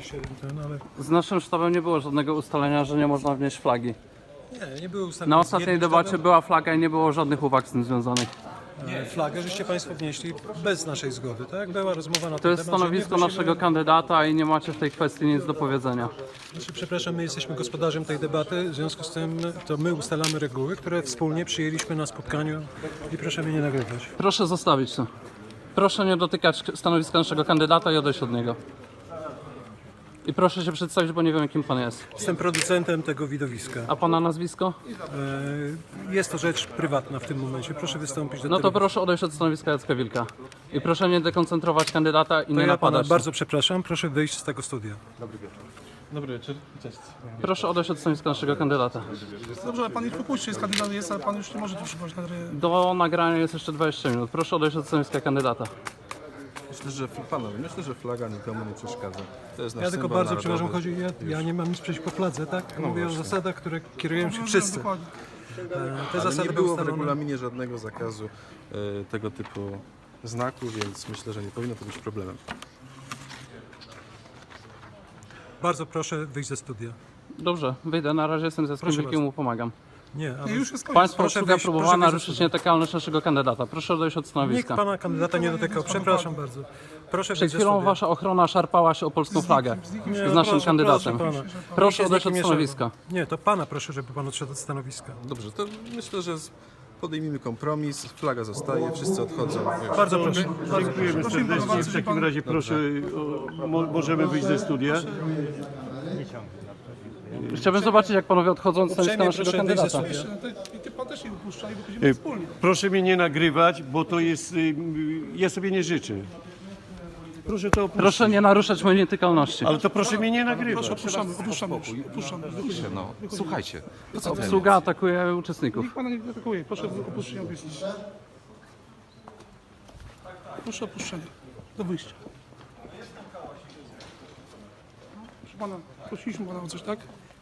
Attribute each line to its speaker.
Speaker 1: się ten, ale
Speaker 2: Z naszym sztabem nie było żadnego ustalenia, że nie można wnieść flagi.
Speaker 1: nie było ustawione.
Speaker 2: Na ostatniej debacie była flaga i nie było żadnych uwag z tym związanych.
Speaker 1: Flagę żeście Państwo wnieśli bez naszej zgody, tak? Była rozmowa na
Speaker 2: To
Speaker 1: ten
Speaker 2: jest
Speaker 1: temat, że nie
Speaker 2: stanowisko
Speaker 1: wnosimy-
Speaker 2: naszego kandydata i nie macie w tej kwestii nic do powiedzenia.
Speaker 1: Przepraszam, my jesteśmy gospodarzem tej debaty, w związku z tym to my ustalamy reguły, które wspólnie przyjęliśmy na spotkaniu i proszę mnie nie nagrywać.
Speaker 2: Proszę zostawić to. Proszę nie dotykać stanowiska naszego kandydata i odejść od niego. I proszę się przedstawić, bo nie wiem, kim pan jest.
Speaker 1: Jestem producentem tego widowiska.
Speaker 2: A pana nazwisko?
Speaker 1: Jest to rzecz prywatna w tym momencie. Proszę wystąpić do
Speaker 2: No to
Speaker 1: telewizji.
Speaker 2: proszę odejść od stanowiska Jacka Wilka. I proszę nie dekoncentrować kandydata i
Speaker 1: To
Speaker 2: nie
Speaker 1: ja pana
Speaker 2: napadać.
Speaker 1: bardzo przepraszam, proszę wyjść z tego studia.
Speaker 3: Dobry wieczór, cześć.
Speaker 2: Proszę odejść od stanowiska naszego kandydata.
Speaker 4: Dobrze, ale pan ich wypuści, jest kandydat jest, ale pan już nie może tu przyjmować na gry.
Speaker 2: Do nagrania jest jeszcze 20 minut. Proszę odejść od stanowiska kandydata.
Speaker 3: Myślę, że flaga nikomu nie przeszkadza. To jest nasz
Speaker 1: Ja tylko
Speaker 3: symbol
Speaker 1: bardzo
Speaker 3: narodowy.
Speaker 1: przepraszam, ja nie mam nic przeciwko fladze, tak? Mówię o zasadach, które kierują się wszyscy.
Speaker 4: Dokładnie.
Speaker 1: Te
Speaker 3: Ale
Speaker 1: zasady
Speaker 3: nie
Speaker 1: były
Speaker 3: było w
Speaker 1: ustalone.
Speaker 3: regulaminie żadnego zakazu tego typu znaku, więc myślę, że nie powinno to być problemem.
Speaker 1: Bardzo proszę wyjść ze studia.
Speaker 2: Dobrze, wyjdę. Na razie jestem z Jackiem
Speaker 1: Proszę
Speaker 2: Wilkiem i mu pomagam.
Speaker 1: Nie,
Speaker 4: Nie, już jest koniec.
Speaker 2: Państwo
Speaker 1: Proszę
Speaker 2: obsługa
Speaker 1: wyjść,
Speaker 2: próbowała
Speaker 1: proszę wyjść ze
Speaker 2: naruszyć
Speaker 1: studia.
Speaker 2: nietykalność naszego kandydata. Proszę odejść od
Speaker 1: nikt
Speaker 2: stanowiska.
Speaker 1: pana kandydata nie dotykał. Przepraszam bardzo. Proszę
Speaker 2: Przed
Speaker 1: wyjść ze
Speaker 2: chwilą
Speaker 1: studia.
Speaker 2: wasza ochrona szarpała się o polską flagę
Speaker 1: Nie,
Speaker 2: z naszym
Speaker 1: proszę,
Speaker 2: kandydatem.
Speaker 1: proszę pana.
Speaker 2: Proszę
Speaker 1: Nikt
Speaker 2: odejść
Speaker 1: się
Speaker 2: od
Speaker 1: z nikim nie
Speaker 2: stanowiska.
Speaker 1: szarpał. Nie, to pana proszę, żeby pan odszedł od stanowiska.
Speaker 3: Dobrze, to myślę, że podejmijmy kompromis, flaga zostaje, wszyscy odchodzą.
Speaker 1: Bardzo proszę.
Speaker 5: Dziękujemy serdecznie. W takim razie proszę, możemy wyjść ze studia.
Speaker 2: Chciałbym zobaczyć, jak panowie odchodzą od stanowiska
Speaker 1: Uprzejmie
Speaker 2: naszego
Speaker 1: proszę wyjść ze
Speaker 2: kandydata.
Speaker 1: studia.
Speaker 4: I ty pan też nie wypuszcza i wychodzimy wspólnie.
Speaker 5: Proszę mnie nie nagrywać, bo to jest, ja sobie nie życzę. Proszę to opuścić.
Speaker 2: Proszę nie naruszać mojej nietykalności.
Speaker 5: Ale to proszę mnie nie nagrywać.
Speaker 4: Opuszczamy już. Opuszczamy.
Speaker 6: No, słuchajcie, to co ten?
Speaker 2: Obsługa atakuje uczestników.
Speaker 4: Nikt pana nie atakuje. Proszę opuszczenie obiektu. Proszę opuszczenie. Do wyjścia. Proszę pana, prosiliśmy pana o coś, tak?